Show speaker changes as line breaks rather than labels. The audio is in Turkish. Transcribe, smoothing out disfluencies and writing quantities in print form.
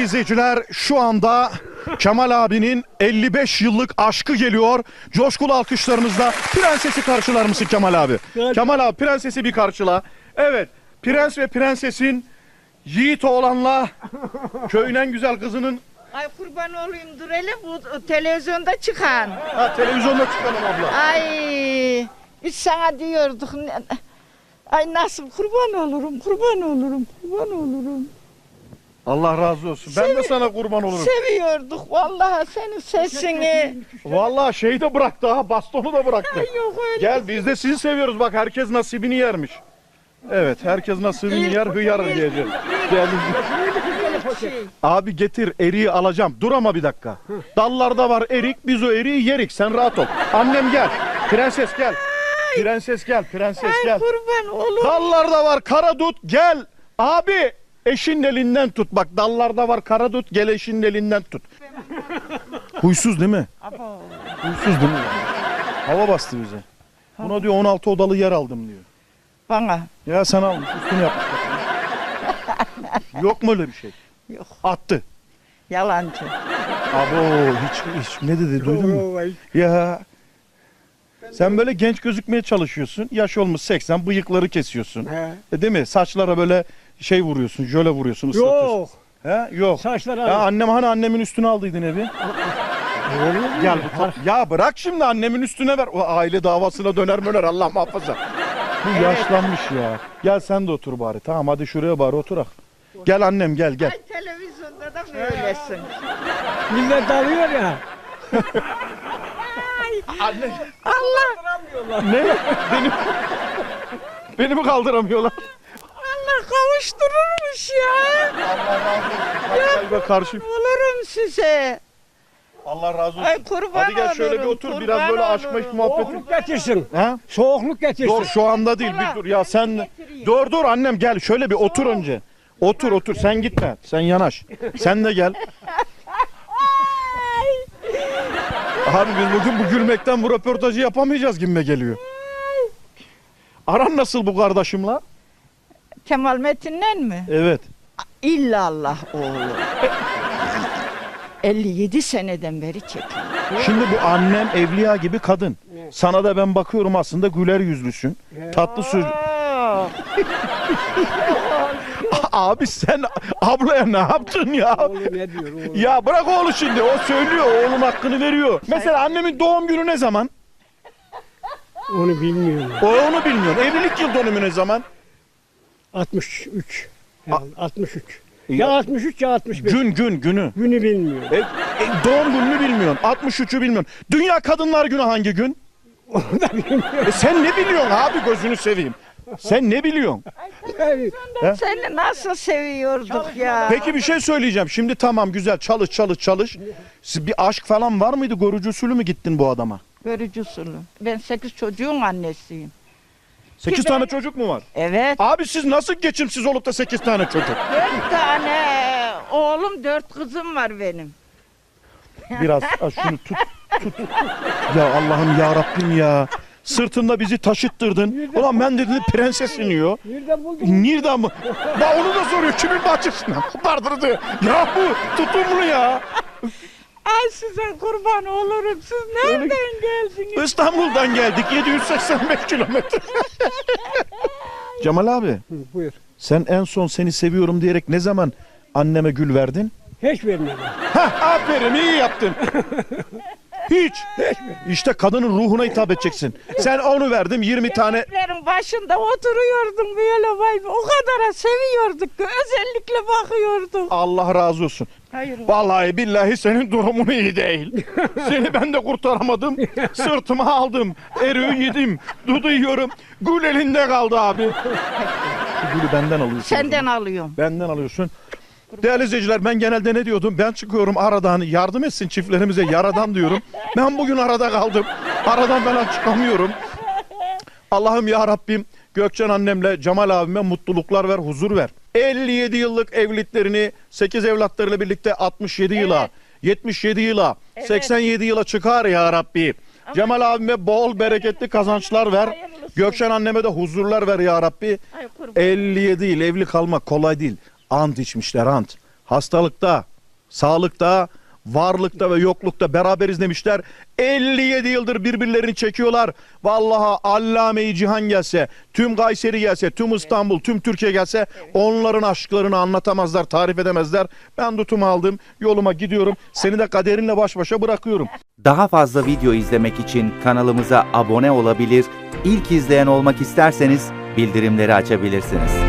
izleyiciler, şu anda Kemal abinin 55 yıllık aşkı geliyor. Coşkulu alkışlarımızla prensesi karşılar mısın Kemal abi? Kemal abi prensesi bir karşıla. Evet, prens ve prensesin yiğit oğlanla köyün en güzel kızının...
Ay kurban olayım dur hele bu televizyonda çıkan.
Ha, televizyonda çıkalım abla.
Ay biz sana diyorduk. Ay nasıl kurban olurum, kurban olurum, kurban olurum.
Allah razı olsun. Ben de sana kurban olurum.
Seviyorduk vallahi senin sesini.
Vallahi şeyi de bıraktı ha, bastonu da bıraktı.
Ay yok öyle.
Gel biz de sizi seviyoruz, bak herkes nasibini yermiş. Evet, herkes nasibini yer, hıyar diyeceğiz. Gel. Abi getir, eriği alacağım. Dur ama bir dakika. Dallarda var erik, biz o eriği yerik. Sen rahat ol. Annem gel. Prenses gel. Prenses gel, prenses
Ay
gel.
kurban olurum.
Dallarda var karadut, gel. Abi eşinin elinden tut. Bak dallarda var karadut, gel eşinin elinden tut. Huysuz değil mi? Huysuz değil mi? Hava bastı bize. Buna diyor 16 odalı yer aldım diyor.
Bana.
Ya sen almış, üstünü yapmış. Yok mu öyle bir şey?
Yok.
Attı.
Yalancı.
Abo hiç ne dedi duydun mu? Ya sen böyle genç gözükmeye çalışıyorsun. Yaş olmuş 80, bıyıkları kesiyorsun. Değil mi? Saçlara böyle şey vuruyorsun, jöle vuruyorsun, ıslatıyorsun.
Yok.
He? Yok.
Saçlar
Ya annem hani annemin üstüne aldıydın evi. Gel bu ya bırak şimdi annemin üstüne ver. O aile davasına döner Allah muhafaza. Bu yaşlanmış ya. Gel sen de otur bari. Tamam hadi şuraya bari oturak. Gel annem gel.
Ay televizyonda da böylesin.
Millet dalıyor ya.
Anne.
Allah.
Ne? Beni mi kaldıramıyorlar?
Allah kavuştururmuş ya.
Allah razı olsun. Gel karşı.
Olurum size.
Allah razı olsun.
Ay kurban
Hadi gel şöyle bir
olurum,
otur.
kurban
Biraz böyle aşk meşk
olurum.
muhabbeti.
Soğukluk getirsin.
Ha?
Soğukluk getirsin.
Dur şu anda değil. Bir dur. Ya sen dur annem gel. Şöyle bir otur önce. Otur. Sen gitme. Sen yanaş. Sen de gel. Abi biz bugün bu gülmekten bu röportajı yapamayacağız gibime geliyor. Aran nasıl bu kardeşimle?
Kemal Metin'le mi?
Evet.
İllallah oğlum. 57 seneden beri çekiyor.
Şimdi bu annem evliya gibi kadın. Sana da ben bakıyorum aslında güler yüzlüsün. Tatlı söz.
Aa,
Abi sen ablaya ne yaptın ya?
Oğlum ne diyor oğlum?
Ya bırak oğlu şimdi. O söylüyor. Oğlun hakkını veriyor. Mesela annemin doğum günü ne zaman?
Onu bilmiyorum.
O onu bilmiyor. Evlilik yıl dönümü ne zaman?
63. Yani 63. Ya 63 ya 65.
Günü.
Günü bilmiyorum.
Doğum gününü bilmiyorsun. 63'ü bilmiyorsun. Dünya Kadınlar Günü hangi gün?
Onu da bilmiyorum.
Sen ne biliyorsun abi gözünü seveyim. Sen ne biliyorsun? He?
seni nasıl seviyorduk ya.
Peki bir şey söyleyeceğim. Şimdi tamam güzel çalış. Siz bir aşk falan var mıydı? Görücü usulü mü gittin bu adama?
Görücü usulü. Ben 8 çocuğun annesiyim.
8
Ki
tane
ben-
çocuk mu var?
Evet.
Abi siz nasıl geçimsiz olup da 8 tane çocuk?
4 tane oğlum 4 kızım var benim.
Biraz şunu tut. Ya Allah'ım ya Rabbim ya. Sırtında bizi taşıttırdın. Ulan ben dedim prenses iniyor.
Nereden buldun?
Nereden mı? Bak onu da soruyor. Kimin bahçesinden? Kopardırdı. Ya bu tutumlu ya.
Ay size kurban olurum. Siz nereden geldiniz?
İstanbul'dan geldik. 785 kilometre. Cemal abi.
Hı, buyur.
Sen en son seni seviyorum diyerek ne zaman anneme gül verdin?
Hiç vermedim.
Hah aferin iyi yaptın. Hiç. İşte kadının ruhuna hitap edeceksin. Sen onu verdim 20 tane.
Evlerin başında oturuyordum böyle vay be. O kadar seviyorduk ki özellikle bakıyordum.
Allah razı olsun.
Hayır.
Vallahi billahi senin durumun iyi değil. Seni ben de kurtaramadım. Sırtıma aldım. Eriği yedim. Dudu yiyorum. Gül elinde kaldı abi. Şu gülü benden alıyorsun.
Senden alıyorum.
Benden alıyorsun. Değerli izleyiciler ben genelde ne diyordum? Ben çıkıyorum aradan yardım etsin çiftlerimize yaradan diyorum. Ben bugün arada kaldım. Aradan ben çıkamıyorum. Allah'ım ya Rabbim Gökçen annemle Cemal abime mutluluklar ver, huzur ver. 57 yıllık evliliklerini 8 evlatlarıyla birlikte 67 yıla, 77 yıla, 87 yıla çıkar ya Rabbi. Cemal abime bol bereketli kazançlar ver. Gökçen anneme de huzurlar ver ya Rabbi.
Ay kurban.
57 yıl evli kalmak kolay değil. Ant içmişler ant. Hastalıkta, Sağlıkta, varlıkta ve yoklukta beraberiz demişler. 57 yıldır birbirlerini çekiyorlar. Vallahi Allame-i Cihan gelse, tüm Kayseri gelse, tüm İstanbul, tüm Türkiye gelse onların aşklarını anlatamazlar, tarif edemezler. Ben tutumu aldım, yoluma gidiyorum. Seni de kaderinle baş başa bırakıyorum.
Daha fazla video izlemek için kanalımıza abone olabilir, ilk izleyen olmak isterseniz bildirimleri açabilirsiniz.